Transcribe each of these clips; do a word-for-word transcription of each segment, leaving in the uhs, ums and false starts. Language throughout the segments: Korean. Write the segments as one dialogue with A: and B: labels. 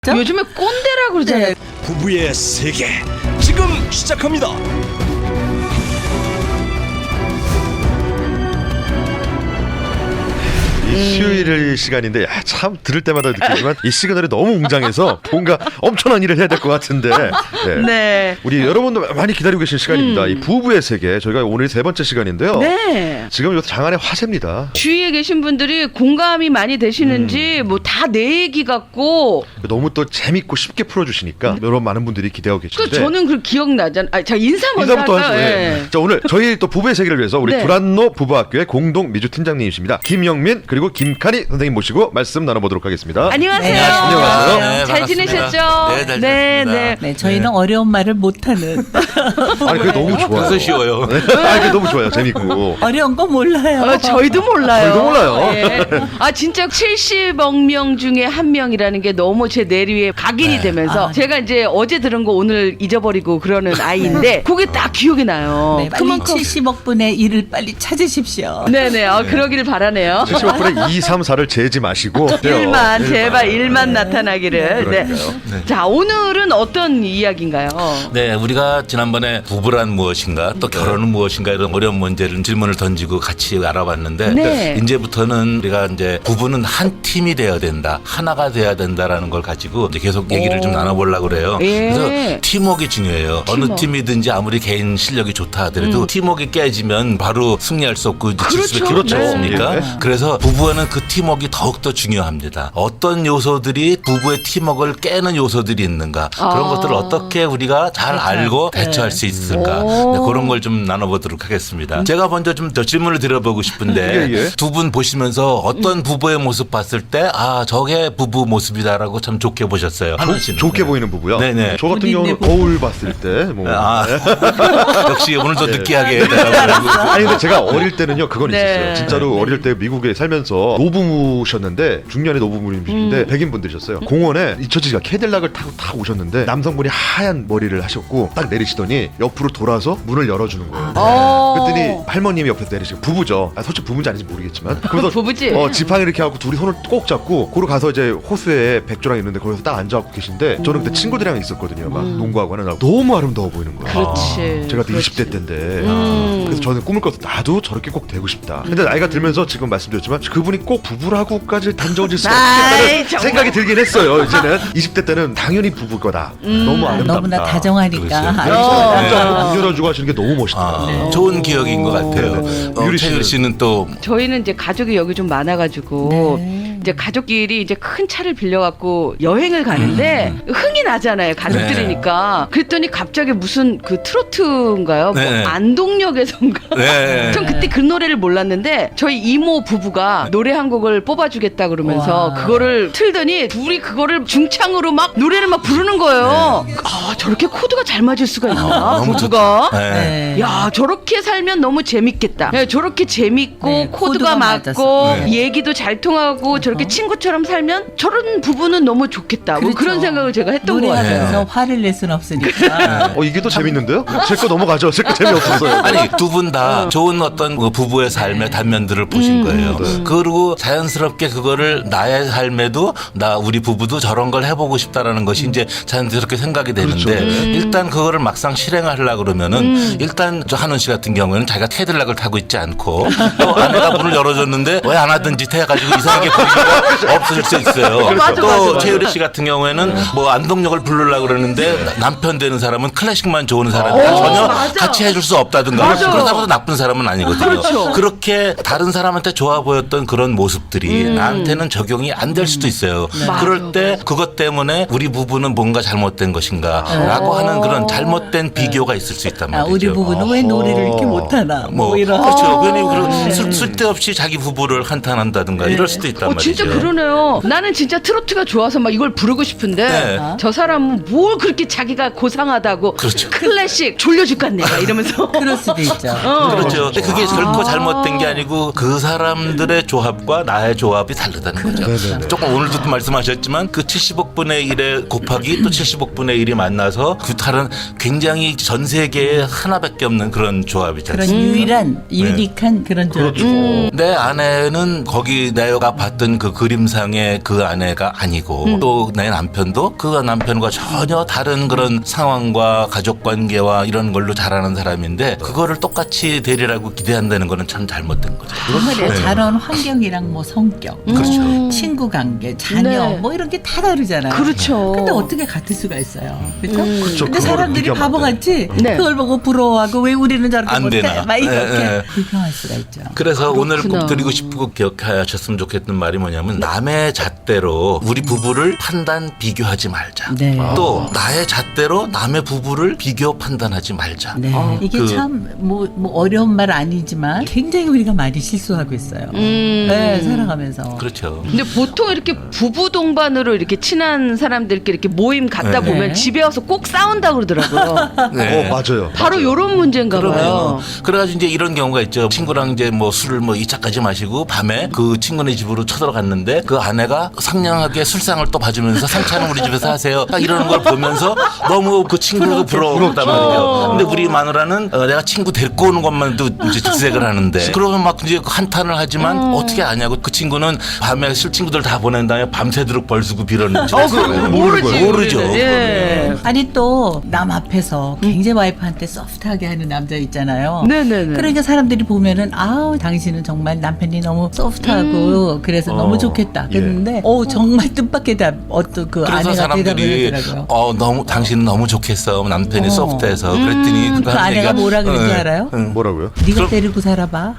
A: 요즘에 꼰대라고 그러잖아요. 네.
B: 부부의 세계 지금 시작합니다.
C: 이 수요일 시간인데 야, 참 들을 때마다 느끼지만 이 시그널이 너무 웅장해서 뭔가 엄청난 일을 해야 될 것 같은데 네.
A: 네.
C: 우리 여러분도 많이 기다리고 계신 시간입니다. 음. 이 부부의 세계 저희가 오늘 세 번째 시간인데요.
A: 네.
C: 지금 이것도 장안의 화제입니다.
A: 주위에 계신 분들이 공감이 많이 되시는지 음. 뭐 다 내 얘기 같고
C: 너무 또 재밌고 쉽게 풀어주시니까 음. 여러분 많은 분들이 기대하고 계신데
A: 그 저는 그 기억나잖아요. 아, 자 인사 먼저
C: 인사부터
A: 할까요?
C: 하시죠.
A: 네.
C: 네. 자 오늘 저희 또 부부의 세계를 위해서 우리
A: 네.
C: 불안노 부부학교의 공동 미주 팀장님이십니다. 김영민 그리고 김칸희 선생님 모시고 말씀 나눠보도록 하겠습니다.
A: 안녕하세요.
C: 네. 안녕하세요.
A: 네, 잘 지내셨죠?
D: 네, 잘
A: 네,
D: 네,
E: 네, 저희는 네. 어려운 말을 못하는.
C: 아니 그게 너무 좋아요.
D: 벌써 쉬워요.
C: 네. 아니 그게 너무 좋아요. 재밌고.
E: 어려운 거 몰라요.
A: 어, 저희도 몰라요.
C: 저희도 몰라요.
A: 네. 아 진짜 칠십억 명 중에 한 명이라는 게 너무 제 내리에 각인이
D: 네.
A: 되면서
E: 아.
A: 제가 이제 어제 들은 거 오늘 잊어버리고 그러는 아이인데 그게 딱 기억이 나요.
E: 네, 빨리 칠십억 분의 일을 빨리 찾으십시오.
A: 네네. 어, 그러기를 바라네요.
C: 칠십억 분의 이, 삼, 사를 재지 마시고
A: 일만 제발 일만
C: 네.
A: 나타나기를. 네.
C: 네.
A: 자 오늘은 어떤 이야기인가요?
D: 네, 우리가 지난번에 부부란 무엇인가 또 결혼은 무엇인가 이런 어려운 문제를 질문을 던지고 같이 알아봤는데
A: 네.
D: 이제부터는 우리가 이제 부부는 한 팀이 되어야 된다, 하나가 돼야 된다라는 걸 가지고 이제 계속 얘기를
A: 오.
D: 좀 나눠보려고 그래요.
A: 예.
D: 그래서 팀워크가 중요해요.
A: 팀워크.
D: 어느 팀이든지 아무리 개인 실력이 좋다 하더라도
A: 음.
D: 팀워크가 깨지면 바로 승리할 수 없고 이제 질 수밖에 없지
A: 그렇죠.
D: 않습니까?
C: 네.
D: 그래서 부부와는 그 팀워크가 더욱더 중요합니다. 어떤 요소들이 부부의 팀워크를 깨는 요소들이 있는가 그런
A: 아.
D: 것들을 어떻게 우리가 잘 알고 대처할 수 있을까
A: 오.
D: 네, 그런 걸 좀 나눠보도록 하겠습니다. 제가 먼저 좀 더 질문을 드려보고 싶은데
C: 예, 예.
D: 두 분 보시면서 어떤 부부의 모습 봤을 때 아 저게 부부 모습이다라고 참 좋게 보셨어요. 하나 씨는.
C: 좋게 보이는 부부요.
D: 네네.
C: 저 같은
E: 본인네
C: 경우는
E: 부부.
C: 거울 봤을 때 뭐.
D: 아, 역시 오늘도
C: 네.
D: 느끼하게 대답을
C: 아니 근데 제가 어릴 때는요 그건
A: 네.
C: 있었어요. 진짜로 어릴 때 미국에 살면서 노부모셨는데 중년의 노부모님이신데
A: 음.
C: 백인 분들이셨어요. 공원에 이처지가 캐딜락을 타고 탁 오셨는데 남성분이 하얀 머리를 하셨고 딱 내리시더니 옆으로 돌아서 문을 열어주는 거예요.
A: 어.
C: 그랬더니 할머님이 옆에서 내리시고 부부죠. 아, 솔직히 부부인지 아닌지 모르겠지만 그래서
A: 부부지.
C: 어, 지팡이 이렇게 하고 둘이 손을 꼭 잡고 거기 가서 이제 호수에 백조랑 있는데 거기서 딱 앉아갖고 계신데 저는 그때 친구들이랑 있었거든요. 막
A: 음.
C: 농구하고 하는 날 너무 아름다워 보이는 거예요.
A: 그렇지.
C: 제가 그때
A: 그렇지.
C: 이십 대 때인데
A: 음.
C: 그래서 저는 꿈을 꿔서 나도 저렇게 꼭 되고 싶다. 근데 나이가 들면서 지금 말씀드렸지만 그분이 꼭 부부라고까지 단정질 수
A: 아이,
C: 없겠다는
A: 정말.
C: 생각이 들긴 했어요. 이제는 이십 대 때는 당연히 부부일 거다.
A: 음.
C: 너무 아름답다.
E: 너무나 다정하니까.
D: 그렇죠.
E: 아주
A: 어.
C: 진짜 문 열어주고 하시는 게 너무 멋있다.
D: 아,
A: 네.
D: 좋은 기억인 것 같아요.
C: 네네.
D: 어,
C: 유리
D: 최유리
C: 씨는?
D: 씨는 또
A: 저희는 이제 가족이 여기 좀 많아가지고
E: 네.
A: 이제 가족끼리 이제 큰 차를 빌려갖고 여행을 가는데 흥이 나잖아요 가족들이니까. 그랬더니 갑자기 무슨 그 트로트인가요? 뭐
D: 네.
A: 안동역에선가.
D: 네.
A: 전 그때 그 노래를 몰랐는데 저희 이모 부부가 노래 한 곡을 뽑아주겠다 그러면서
E: 와.
A: 그거를 틀더니 둘이 그거를 중창으로 막 노래를 막 부르는 거예요. 아 저렇게 코드가 잘 맞을 수가 있나
D: 너무
A: 부부가.
D: 좋다. 네.
E: 네.
A: 야 저렇게 살면 너무 재밌겠다. 네, 저렇게 재밌고
E: 네,
A: 코드가,
E: 코드가
A: 맞고
E: 맞았어.
D: 네.
A: 얘기도 잘 통하고 저렇게 친구처럼 살면 저런 부부는 너무 좋겠다. 뭐
E: 그렇죠.
A: 그런 생각을 제가 했던 것 같아요.
E: 노래하면서 화를 낼 수는 없으니까.
C: 어 이게 더 재밌는데요? 제 거 넘어가죠. 제 거 재미없었어요.
D: 아니 두 분 다
A: 어.
D: 좋은 어떤 그 부부의 삶의 단면들을 보신
A: 음.
D: 거예요.
C: 네.
D: 그리고 자연스럽게 그거를 나의 삶에도 나 우리 부부도 저런 걸 해보고 싶다라는 것이 이제 자연스럽게 생각이 되는데
C: 그렇죠. 네.
D: 일단 그거를 막상 실행하려고 그러면은 일단 저 한원 씨 같은 경우에는 자기가 캐딜락을 타고 있지 않고 또 아내가 문을 열어줬는데 왜 안 하던 짓 해가지고 이상하게 보이기가 없어질 수 있어요.
A: 맞아,
D: 또
A: 맞아, 맞아.
D: 최유리 씨 같은 경우에는 뭐 안동역을 부르려고 그러는데 남편 되는 사람은 클래식만 좋아하는 사람이
A: 오,
D: 전혀
A: 맞아.
D: 같이 해줄 수 없다든가
A: 맞아.
D: 그렇다고 해서 나쁜 사람은 아니거든요.
A: 그렇죠.
D: 그렇게 다른 사람한테 좋아 보였던 그런 모습들이 나한테는 적용이 안 될 수도 있어요. 그럴 때 그것 때문에 우리 부부는 뭔가 잘못된 것인가 라고 하는 그런 잘못된 비교가 있을 수 있단
E: 아,
D: 말이죠.
E: 우리 부부는 왜 노래를 이렇게 못하나. 뭐,
D: 뭐
E: 이런.
D: 그렇죠. 괜히 그런 쓸- 쓸데없이 자기 부부를 한탄한다든가 이럴 수도 있단
A: 어,
D: 말이죠.
A: 진짜 그러네요. 나는 진짜 트로트가 좋아서 막 이걸 부르고 싶은데
D: 네.
A: 저 사람은 뭘 그렇게 자기가 고상하다고
D: 그렇죠.
A: 클래식 졸려줄 것 같네 이러면서.
E: 그럴 수도 있죠.
A: 어.
D: 그렇죠. 근데 그게 결코 잘못된 게 아니고 그 사람들의 조합과 나의 조합이 다르다는 거죠.
C: 네네네.
D: 조금 오늘도 말씀하셨지만 그 칠십억 분의 일의 곱하기 또 칠십억 분의 일이 만나서 그 다른 굉장히 전 세계에 하나밖에 없는 그런 조합이지
E: 그런
D: 않습니까?
E: 유일한, 유니크한 그런 조합.
C: 그렇죠.
D: 내 아내는 거기 내가 봤던 그 그림상의 그 아내가 아니고
A: 음.
D: 또 내 남편도 그 남편과 전혀 다른 그런 상황과 가족 관계와 이런 걸로 자라는 사람인데 그거를 똑같이 되리라고 기대한다는 거는 참 잘못된 거죠.
E: 정말
D: 네.
E: 자라온 환경이랑 뭐 성격,
D: 그렇죠.
E: 친구 관계, 자녀
A: 네.
E: 뭐 이런 게 다 다르잖아요.
A: 그렇죠.
E: 근데 어떻게 같을 수가 있어요? 그렇죠?
A: 음.
C: 그렇죠.
E: 근데
C: 그거를
E: 사람들이
C: 비교하면 안 돼.
E: 바보같이
A: 네.
E: 그걸 보고 부러워하고 왜 우리는 저렇게
D: 안
E: 못해?
D: 되나.
E: 막 이렇게
D: 네, 네.
E: 비교할 수가 있죠.
D: 그래서 오늘
A: 그렇구나.
D: 꼭 드리고 싶고 기억하셨으면 좋겠던 말이 뭐냐면 남의 잣대로 우리 부부를 판단 비교하지 말자.
E: 네.
D: 또 나의 잣대로 남의 부부를 비교 판단하지 말자.
E: 네.
A: 어,
E: 이게
D: 그-
E: 참 뭐 뭐 어려운 말 아니지만 굉장히 우리가 많이 실수하고 있어요.
A: 음.
E: 네, 살아가면서.
D: 그렇죠.
A: 근데 보통 이렇게 부부 동반으로 이렇게 친한 사람들끼리 이렇게 모임 갔다
D: 네.
A: 보면
E: 네.
A: 집에 와서 꼭 싸운다 그러더라고요.
D: 네.
C: 어 맞아요.
A: 바로
C: 맞아요.
A: 요런 문제인가
D: 그러면
A: 봐요.
D: 그래가지고 이제 이런 경우가 있죠. 친구랑 이제 뭐 술을 뭐 이 차까지 마시고 밤에 그 친구네 집으로 쳐들어갔는데 그 아내가 상냥하게 술상을 또 봐주면서 상차는 우리 집에서 하세요. 딱 이러는 걸 보면서 너무 그 친구가 부러웠단 말이에요. 근데 우리 마누라는 어, 내가 친구 데리고 오는 것만도 이제 직색을 하는데 그러면 막 이제 한탄을 하지만 어떻게 아냐고 그 친구는 밤에 술 친구들 다 보낸 다음에 밤새도록 벌수고 빌었는지
A: 어, 그거
C: 모르는
A: 모르지.
C: 거예요.
D: 모르죠.
A: 우리는. 예.
E: 아니 또 남 앞에서 굉장히 와이프한테 소프트하게 하는 남자 있잖아요.
A: 네네네.
E: 그러니까 사람들이 보면은 아우 당신은 정말 남편이 너무 소프트하고 그래서
C: 어,
E: 너무 좋겠다.
C: 예.
E: 그랬는데 어 정말 뜻밖에다 어떤 그
D: 그래서
E: 아내가 대답을
D: 사람들이
E: 하더라고요.
D: 어 너무 당신은 너무 좋겠어 남편이
E: 어.
D: 소프트해서 그랬더니
E: 음,
D: 그거
E: 그
D: 하는
E: 아내가
D: 얘기가,
E: 뭐라 그랬는지
D: 어,
E: 알아요?
D: 응.
C: 뭐라고요?
E: 네가
D: 그럼-
E: 데리고 살아봐.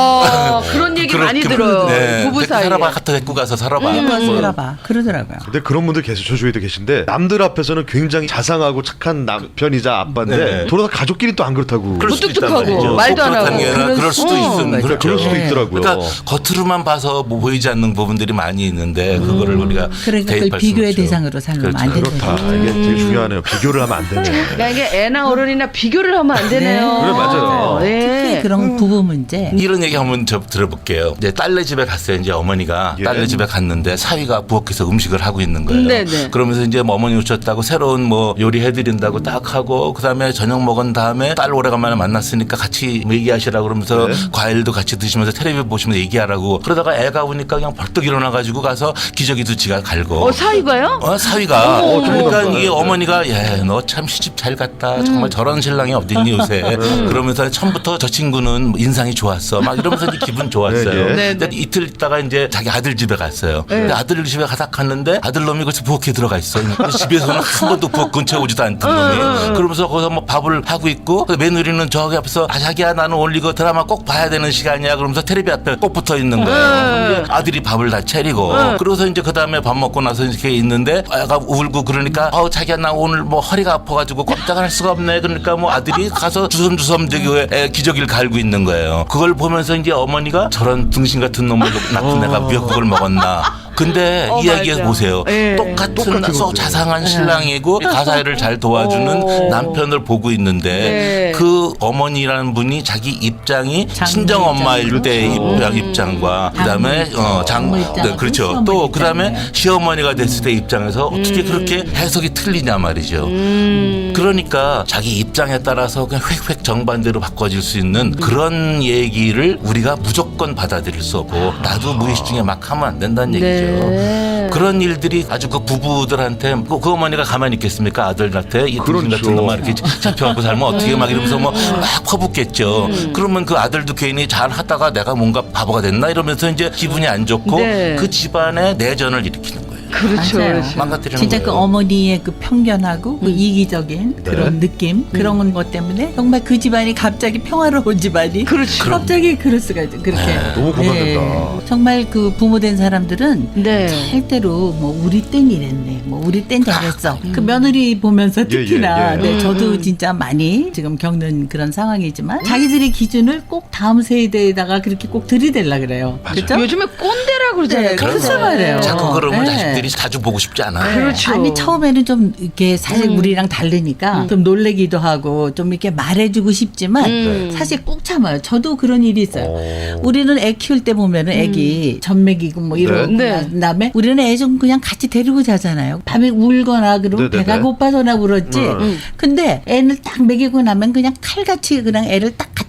A: 아, 그런 얘기
D: 그렇게-
A: 많이 들어요.
D: 네.
A: 부부
D: 데리고
A: 사이에.
D: 살아봐 갖다 데리고 가서 살아봐.
E: 데리고 와서
D: 뭐.
E: 살아봐. 그러더라고요.
C: 근데 그런 분들 계속 저 주위에도 계신데 남들 앞에서는 굉장히 자상하고 착한 남편이자 아빠인데
D: 네.
C: 돌아서 가족끼리 또 안 그렇다고.
D: 그럴 수도 있단
A: 무뚝뚝하고
D: 말이죠.
A: 말도 안 하고.
D: 그렇다는 게 아니라
E: 그럴
D: 그럴 수도
E: 수-
D: 있음.
E: 맞아요.
D: 그렇죠.
C: 그럴 수도
E: 네.
C: 있더라고요.
D: 그러니까 겉으로만 봐서 뭐 보이지 않는 부분들이 많이 있는데 그거를 우리가
E: 그러니까 그걸
D: 대입할 수는
E: 비교의
D: 없죠.
E: 대상으로 살면 안
D: 그렇죠.
E: 되는
C: 그렇다.
E: 거죠.
C: 이게 되게 중요하네요. 비교를 하면 안 되네.
A: 그러니까 이게 애나 어른이나 비교를 하면 안 되네요.
E: 네.
C: 그래, 맞아요.
A: 예.
E: 특히 그런 부부 문제.
D: 이런 얘기 한번 저 들어볼게요. 이제 딸네 집에 갔어요. 이제 어머니가
C: 예.
D: 딸네 집에 갔는데 사위가 부엌에서 음식을 하고 있는 거예요.
A: 네네.
D: 그러면서 이제 뭐 어머니 오셨다고 새로운 뭐 요리 해드린다고 딱 하고 그다음에 저녁 먹은 다음에 딸 오래간만에 만났으니까 같이 뭐 얘기하시라고 그러면서
C: 네.
D: 과일도 같이 드시면서 텔레비전 보시면서 얘기하라고 그러다가 애가 오니까 그냥 벌떡 일어나가지고 가서 기저귀도 지가 갈고
A: 어, 사위가요?
D: 어, 사위가
C: 어머,
D: 그러니까
C: 어머.
D: 이게 어머니가 예, 너 참 시집 잘 갔다. 정말 저런 신랑이 어딨니 요새. 그러면서 처음부터 저 친구는 인상이 좋았어. 막 이러면서 이제 기분 좋았어요.
C: 네,
A: 네.
D: 근데 이틀 있다가 이제 자기 아들 집에 갔어요.
A: 네.
D: 근데 아들 집에 가다 갔는데 아들 놈이 거기서 부엌에 들어가 있어. 근데 집에서는 한 번도 부엌 근처에 오지도 않던 놈이. 그러면서 거기서 뭐 밥을 하고 있고 며느리는 저기 앞에서 아 자기야 나는 오늘 이거 드라마 꼭 봐야 되는 시간이야. 그러면서 텔레비 앞에 꼭 붙어 있는 거예요. 근데 아들이 밥을 다 차리고 그러고서 이제 그 다음에 밥 먹고 나서 이렇게 있는데 애가 울고 그러니까 어 자기야 나 오늘 뭐 허리가 아파가지고 꼼짝할 수가 없네. 그러니까 뭐 아들이 가서 주섬주섬 저기 애 기저귀를 갈고 있는 거예요. 그걸 보면서 이제 어머니가 저런 등신 같은 놈을 낳은 애가 미역국을 먹었나. 근데
A: 어,
D: 이야기해
A: 맞아.
D: 보세요.
A: 예.
D: 똑같은
C: 똑같은
D: 소
C: 거죠.
D: 자상한 신랑이고 가사일을 잘 도와주는
A: 어.
D: 남편을 보고 있는데
A: 네.
D: 그 어머니라는 분이 자기 입장이
E: 장모
D: 친정 엄마일 때
E: 입장.
D: 입장 입장과 그다음에
E: 장모
D: 어, 장
E: 장모 입장,
D: 네, 그렇죠.
E: 시어머니
D: 또 그다음에
E: 입장이네.
D: 시어머니가 됐을 때 입장에서 어떻게 그렇게 해석이 틀리냐 말이죠.
A: 음.
D: 그러니까 자기 입장에 따라서 그냥 획획 정반대로 바꿔질 수 있는 그런 얘기를 우리가 무조건 받아들일 수 없고 나도 무의식 중에 막 하면 안 된다는 얘기죠.
A: 네.
D: 그런 일들이 아주 그 부부들한테 그, 그 어머니가 가만히 있겠습니까? 아들한테 이 등신
C: 그렇죠.
D: 같은 놈만 이렇게 잡혀갖고 살면 어떻게 막 이러면서 뭐 막 퍼붓겠죠.
A: 음.
D: 그러면 그 아들도 괜히 잘 하다가 내가 뭔가 바보가 됐나 이러면서 이제 기분이 안 좋고
A: 네.
D: 그 집안에 내전을 일으키는 거예요.
A: 그렇죠.
E: 맞아요.
A: 그렇죠.
D: 망가뜨리는
E: 진짜
D: 거예요.
E: 그 어머니의 그 편견하고 그 이기적인 그런 느낌 그런 것 때문에 정말 그 집안이 갑자기 평화로운 집안이
A: 그렇죠.
E: 갑자기 그럴 수가 있죠. 그렇게
C: 너무 공감된다.
E: 정말 그 부모 된 사람들은
A: 네.
E: 절대로 뭐 우리 땐 이랬네, 뭐 우리 땐 저랬어. 그 며느리 보면서 특히나
C: 예, 예.
E: 네, 저도
A: 음.
E: 진짜 많이 지금 겪는 그런 상황이지만 자기들의 기준을 꼭 다음 세대에다가 그렇게 꼭 들이댈라 그래요. 그렇죠?
A: 요즘에 꼰대라 그러잖아요.
E: 네, 그렇죠
A: 꼰대.
E: 말이에요.
D: 자꾸 그러면
E: 네.
D: 자식들이 자주 보고 싶지 않아요.
A: 그렇죠.
E: 아니 처음에는 좀 이렇게 사실
A: 음.
E: 우리랑 다르니까 좀 놀래기도 하고 좀 이렇게 말해주고 싶지만
A: 음.
E: 사실 꾹 참아요. 저도 그런 일이 있어요.
C: 어.
E: 우리는 애 키울 때 보면은 애기 젖먹이고 뭐 이러고
A: 네.
E: 난 다음에 우리는 애 좀 그냥 같이 데리고 자잖아요. 밤에 울거나 그러면
C: 네네네.
E: 배가 고파서나 울었지.
C: 음.
E: 근데 애를 딱 먹이고 나면 그냥 칼같이 그냥 애를 딱 갖다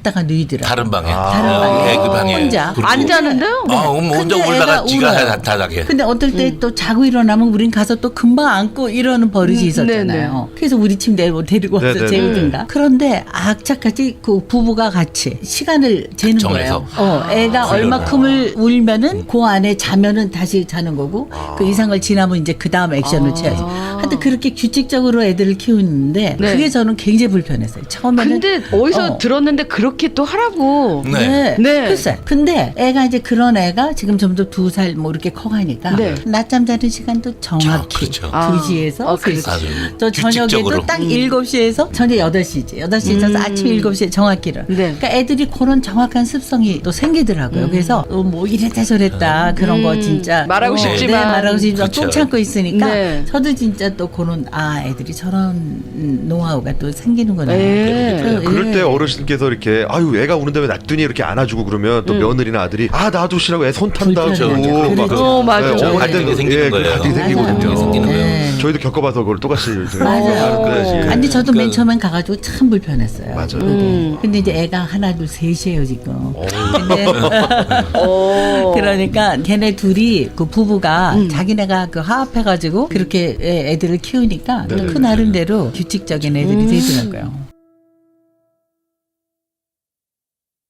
E: 갖다가 누이더라고요.
D: 다른 방에.
E: 다른
D: 어,
E: 방에.
D: 애그 방에.
E: 혼자.
D: 그리고-
A: 안 자는데요?
D: 아, 그럼 혼자
E: 근데
D: 울다가
E: 애가
D: 지가
E: 울어요.
D: 다- 다닥에.
E: 근데 어떨 때 또 자고 일어나면 우린 가서 또 금방 안고 이러는 버릇이
A: 음,
E: 있었잖아요. 그래서 우리 침대에 뭐 데리고 와서
C: 네네네.
E: 재우든가. 그런데 악착같이 그 부부가 같이 시간을 재는
D: 정해서.
E: 거예요. 어, 애가 얼마큼을 울면은 그 안에 자면은 다시 자는 거고 그 이상을 지나면 이제 그 다음 액션을
A: 아.
E: 취하지. 하여튼 그렇게 규칙적으로 애들을 키우는데
A: 네.
E: 그게 저는 굉장히 불편했어요. 처음에는.
A: 근데 어디서
E: 어.
A: 들었는데 그렇게 또 하라고.
D: 네.
E: 네.
A: 네.
E: 글쎄. 근데 애가 이제 그런 애가 지금 점점 두 살 뭐 이렇게 커가니까
A: 네.
E: 낮잠 자는 시간도 정확히
D: 그렇죠.
A: 아.
E: 두 시에서
A: 어,
E: 세 시.
A: 그렇지.
D: 아주
E: 또 저녁에도
D: 규칙적으로.
E: 딱 일곱 시에서 저녁 여덟 시지. 여덟 시에 자서
A: 음.
E: 아침 일곱 시에 정확히를.
A: 네.
E: 그러니까 애들이 그런 정확한 습성이 또 생기더라고요. 그래서 어, 뭐 이랬다 저랬다 그런 거
A: 음.
E: 진짜
A: 말하고
E: 어,
A: 싶지만.
E: 네, 말하고 싶지만
D: 그렇죠.
E: 똥 참고 있으니까
A: 네.
E: 저도 진짜 또 그런 아 애들이 저런 음, 노하우가 또 생기는구나.
A: 네.
E: 그래서,
C: 그럴
E: 예.
C: 때 어르신께서 이렇게 아유 애가 우는데 왜 놔두니 이렇게 안아주고 그러면 또 며느리나 아들이 아 놔두시라고 애 손 탄다고
E: 불편하죠.
C: 막
E: 그렇죠.
A: 어, 맞아.
C: 네,
D: 갈등이
C: 갈등-
D: 생기는
C: 예,
D: 거예요.
C: 갈등이
E: 맞아요.
C: 생기거든요.
D: 생기는 거예요.
E: 네.
C: 저희도 겪어봐서 그걸 똑같이
E: 맞아요.
C: 네,
E: 아니 저도 맨
D: 그-
E: 처음엔 가가지고 참 불편했어요.
C: 맞아요.
E: 그게.
A: 음.
E: 근데 이제 애가 하나 둘 셋이에요 지금. 근데
A: 어.
E: 그러니까 걔네 둘이 그 부부가
A: 음.
E: 자기네가 그 화합해가지고 그렇게 애- 애들을 키우니까
C: 네.
E: 그 나름대로 규칙적인 애들이 되더라고요.